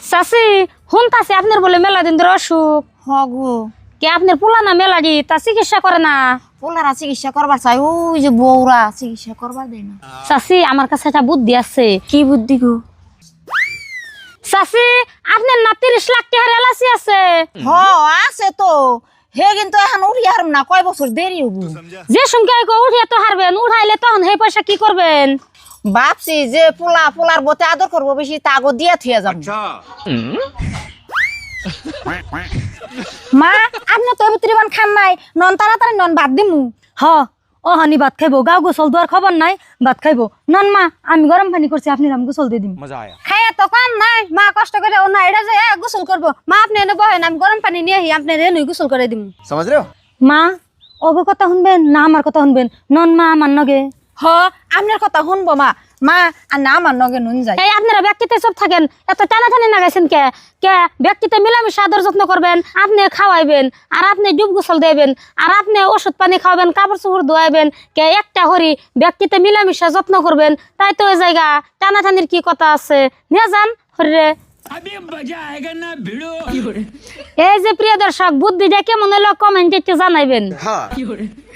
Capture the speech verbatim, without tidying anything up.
চাচি শুনতাছি আপনার বলে মেলা দিন ধরে অসুখ। হগু কে আপনার পুলানা মেলা দি তা চিকিৎসা করে না? পোলারা চিকিৎসা করবার চাই, ওই যে বউরা চিকিৎসা করবার দেয় না। চাচি আমার কাছে একটা বুদ্ধি আছে। কি বুদ্ধি গো? চাচি আপনার না তিরিশ লাখ টাকার এলাচি আছে? হ আছে তো, হে কিন্তু এখন উঠি হারম না, কয় বছর দেরি হবো। যে সঙ্গে উঠিয়ে তো হারবেন, উঠাইলে তখন সেই পয়সা কি করবেন? ভাবছি যে পোলা পোলার বতে আদর করবো বেশি, তা আগো দিয়া থুয়া যাবো। মা আপনি তো এবুত্রিবান খান নাই, নন তাড়াতাড়ি নন ভাত দিমু। হ ও হানি ভাত খাইবো, গাও গোসল দেওয়ার খবর নাই, ভাত খাইবো। নন মা আমি গরম পানি করছি, আপনি রাম গোসল দিয়ে দিন। খাইয়া তো কাম নাই, মা কষ্ট করে ও না এটা যে গোসল করবো। মা আপনি এনে বহেন, আমি গরম পানি নিয়ে আহি, আপনি রেনুই গোসল করে দিমু। समझ रहे हो? মা ওগো কথা শুনবেন না আমার কথা শুনবেন? নন মা আমার নগে। হ আপনার কথা শুনবো মা, মা আর না আমার নগে নুন যায়। এই আপনারা ব্যক্তিতে চুপ থাকেন, এত টানাটানি নাগাইছেন কে? কে ব্যক্তিতে মিলামিশা আদর যত্ন করবেন, আপনি খাওয়াইবেন, আর আপনি ডুব গোসল দেবেন, আর আপনি ওষুধ পানি খাওয়াবেন, কাপড় চোপড় ধোয়াইবেন। কে একটা হরি ব্যক্তিতে মিলামিশা যত্ন করবেন, তাই তো ওই জায়গা টানাটানির কি কথা আছে? নিয়ে যান হরিরে। এই যে প্রিয় দর্শক, বুদ্ধিটা কেমন হলো কমেন্টে একটু জানাইবেন। हाँ